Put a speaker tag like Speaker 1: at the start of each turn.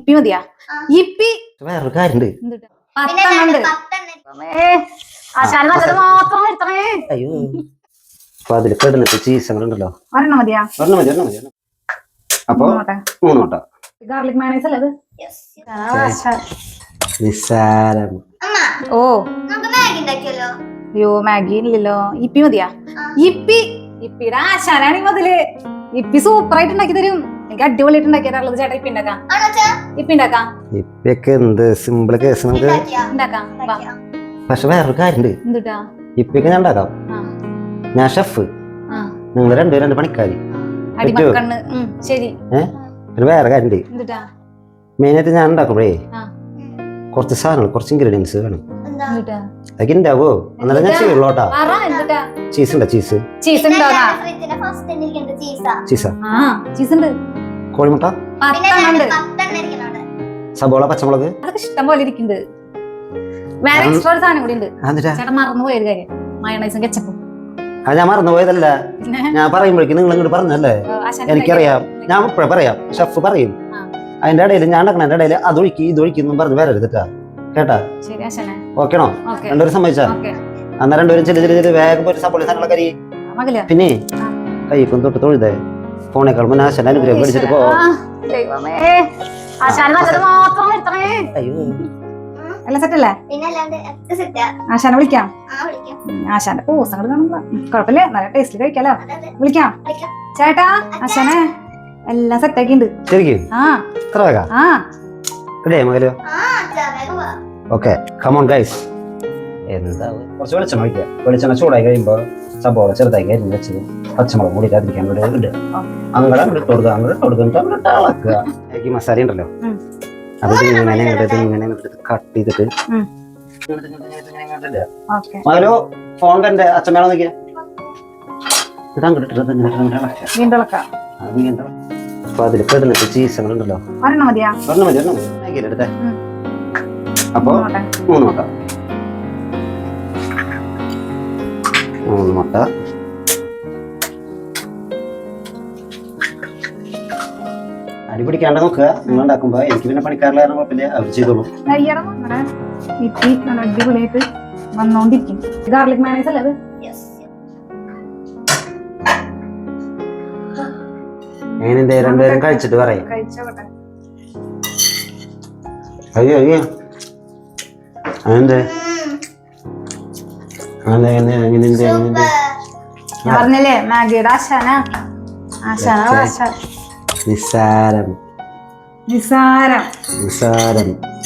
Speaker 1: ഇപ്പി മതിയാ ഇപ്പി
Speaker 2: വേറൊരു കാര്യണ്ട്. അയ്യോ അപ്പൊ അതിൽ കിടന്നിട്ട് ചീസ് ഉണ്ടല്ലോ.
Speaker 1: ഒരെണ്ണം മതിയാ?
Speaker 2: ഒരെണ്ണം മതി, ഒരെണ്ണം മതി. അപ്പൊ 3 മുട്ട.
Speaker 1: ഗാർലിക് മയോണൈസ് അല്ലേ അത്?
Speaker 2: നിസ്സാരം.
Speaker 1: ഓ അയ്യോ മാഗി ഇല്ലല്ലോ. ഇപ്പി മതിയാ? ഇപ്പിയുടെ ആശാനാണ് ഈ മുതല്. ഇപ്പി സൂപ്പർ ആയിട്ട് ഉണ്ടാക്കി തരും. എനിക്ക് അടിപൊളിയായിട്ട് ഉണ്ടാക്കി തരാറുള്ളത്. ചേട്ടാ ഇപ്പി ഉണ്ടാക്കാം.
Speaker 2: ഇപ്പൊക്കെ എന്ത് സിമ്പിൾ കേസ് നമുക്ക്
Speaker 1: ഉണ്ടാക്കാം.
Speaker 2: പക്ഷെ വേറൊരു കാര്യണ്ട്. ഇപ്പൊക്കെ ഞാൻ ഉണ്ടാക്കാം. ഞാൻ ഷെഫ്, നിങ്ങൾ രണ്ടുപേരും പണിക്കാരി. വേറെ കാര്യണ്ട്. മെയിനായിട്ട് ഞാൻ ഉണ്ടാക്കുമ്പോഴേ കുറച്ച് സാധനങ്ങൾ, കുറച്ച് ഇൻഗ്രീഡിയൻസ് വേണം. അതൊക്കെ ഉണ്ടാവോ? എന്നാലും ഞാൻ ചെയ്യുള്ളൂട്ടാ. ചീസ് ഉണ്ടോ? ചീസാ, കോഴിമുട്ട, സബോള, പച്ചമുളക്
Speaker 1: ഇഷ്ടം പോലെ ഇരിക്കുന്നുണ്ട്. വേറെ എക്സ്ട്രാ ഒരു സാധനം കൂടി ഉണ്ട്. ചേട്ടൻ മറന്നുപോയൊരു കാര്യം, മയോണൈസും കെച്ചപ്പും.
Speaker 2: അത് ഞാൻ മറന്നുപോയതല്ല, ഞാൻ പറയുമ്പോഴേക്കും നിങ്ങൾ ഇങ്ങോട്ട് പറഞ്ഞല്ലേ. എനിക്കറിയാം, ഞാൻ ഇപ്പഴേ പറയാം. ഷെഫ് പറയും. അതിന്റെ ഇടയിൽ ഞാൻ ഉണ്ടാക്കണ ഇടയിൽ അതൊഴിക്കും ഇതൊഴിക്കും പറഞ്ഞ് വരരുതിട്ടാ, കേട്ടാ? ഓക്കെണോ? രണ്ടുപേരും സമ്മതിച്ചാ? അന്നാ രണ്ടുപേരും ചെറിയ വേഗം പോയിട്ട് സപ്പോളി സാധനങ്ങളൊക്കെ അരി. പിന്നെ കൈക്കും തൊട്ട് തൊഴുതേ ഫോണേക്കാൾ മുന്നേ ആശാൻ അനുഗ്രഹം മേടിച്ചിട്ട് പോ. അയ്യോ
Speaker 1: എല്ലാം സെറ്റല്ലേ? ആശാനെ വിളിക്കാം. ആശാന്റെ പൂസങ്ങൾ കാണുമ്പോ കുഴപ്പമില്ല, നല്ല ടേസ്റ്റിൽ കഴിക്കാലോ. വിളിക്കാം ചേട്ടാ. ആശാനെ എല്ലാം സെറ്റാക്കിണ്ട്.
Speaker 2: ശരിക്കും? Okay, come on guys. എന്താ കുറച്ച് വെളിച്ചെണ്ണ ഒഴിക്കുക. വെളിച്ചെണ്ണ ചൂടായി കഴിയുമ്പോ സബോള ചെറുതായി അരിഞ്ഞ് വെച്ചത് പച്ചമുളക് കൂടി അതിരിക്കാൻ വേണ്ടി ഇടുക. അങ്ങോട്ട് ഇട്ട് കൊടുക്കുക, അങ്ങോട്ട് ഇട്ട് കൊടുക്കുക, അങ്ങോട്ട് ഇളക്കുക. ഈ മസാല ഉണ്ടല്ലോ, അത് ഇങ്ങനെ കട്ട് ചെയ്തിട്ട് മകനോ ഫോൺ കണ്ട് അച്ഛൻ വേണം നോക്കിയാ ഇത് അങ്ങോട്ട് അപ്പൊ അതിൽ കിടന്നിട്ട് ചീസ് ഉണ്ടല്ലോ. ഒരെണ്ണം മതി, ഒരെണ്ണം മതി. എടുത്തേ. അപ്പൊ 3 മുട്ട. 3 മുട്ട. അടി പിടിക്കാണ്ട് നോക്കുക നിങ്ങൾ ഉണ്ടാക്കുമ്പോ. എനിക്ക് പിന്നെ പണിക്കാരില്ല, കുഴപ്പമില്ല, അവർ ചെയ്തോളൂ.
Speaker 1: അടിപൊളിയായിട്ട് വന്നോണ്ടിരിക്കും. ഗാർലിക് മയോണൈസ് അല്ലേ അത്?
Speaker 2: എങ്ങനെയുണ്ട്? രണ്ടുപേരും കഴിച്ചിട്ട് പറയാം. അയ്യോ അയ്യോ
Speaker 1: പറഞ്ഞില്ലേ മാഗിയുടെ ആശാന.
Speaker 2: നിസ്സാരം.